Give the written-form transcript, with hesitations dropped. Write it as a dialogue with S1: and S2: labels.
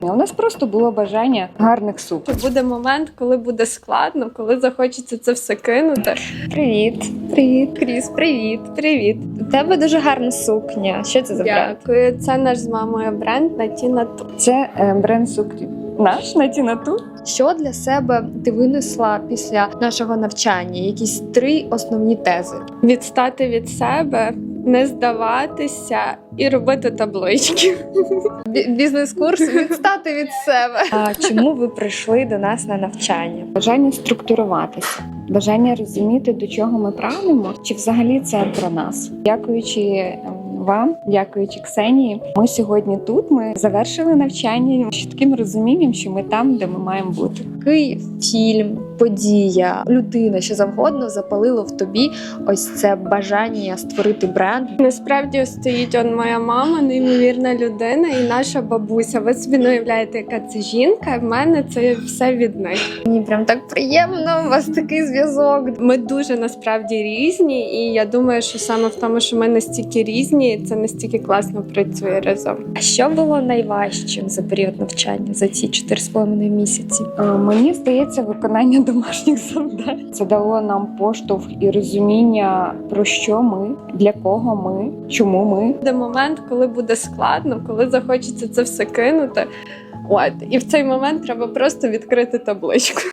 S1: У нас просто було бажання гарних сукон.
S2: Буде момент, коли буде складно, коли захочеться це все кинути.
S3: Привіт.
S2: Привіт, Кріс, привіт, привіт.
S3: У тебе дуже гарна сукня. Що це за бренд?
S2: Дякую. Це наш з мамою бренд Натіна Ту.
S1: Це бренд сукні наш Натіна Ту.
S3: Що для себе ти винесла після нашого навчання? Якісь 3 основні тези.
S2: Відстати від себе, не здаватися і робити таблички.
S3: Бізнес-курс відстати від себе. А чому ви прийшли до нас на навчання?
S1: Бажання структуруватися, бажання розуміти, до чого ми прагнемо, чи взагалі це про нас. Дякуючи вам, дякуючи Ксенії, ми сьогодні тут. Ми завершили навчання з чітким розумінням, що ми там, де ми маємо бути.
S3: Який фільм, подія, людина, що завгодно запалило в тобі ось це бажання створити бренд?
S2: Насправді стоїть моя мама, неймовірна людина, і наша бабуся. Ви собі не уявляєте, яка це жінка. В мене це все від них.
S3: Мені прям так приємно, у вас такий зв'язок.
S2: Ми дуже насправді різні, і я думаю, що саме в тому, що ми настільки різні, це настільки класно працює разом.
S3: А що було найважчим за період навчання, за ці 4,5 місяці?
S1: Мені здається, виконання домашніх завдань. Це дало нам поштовх і розуміння, про що ми, для кого ми, чому ми.
S2: Буде момент, коли буде складно, коли захочеться це все кинути. І в цей момент треба просто відкрити табличку.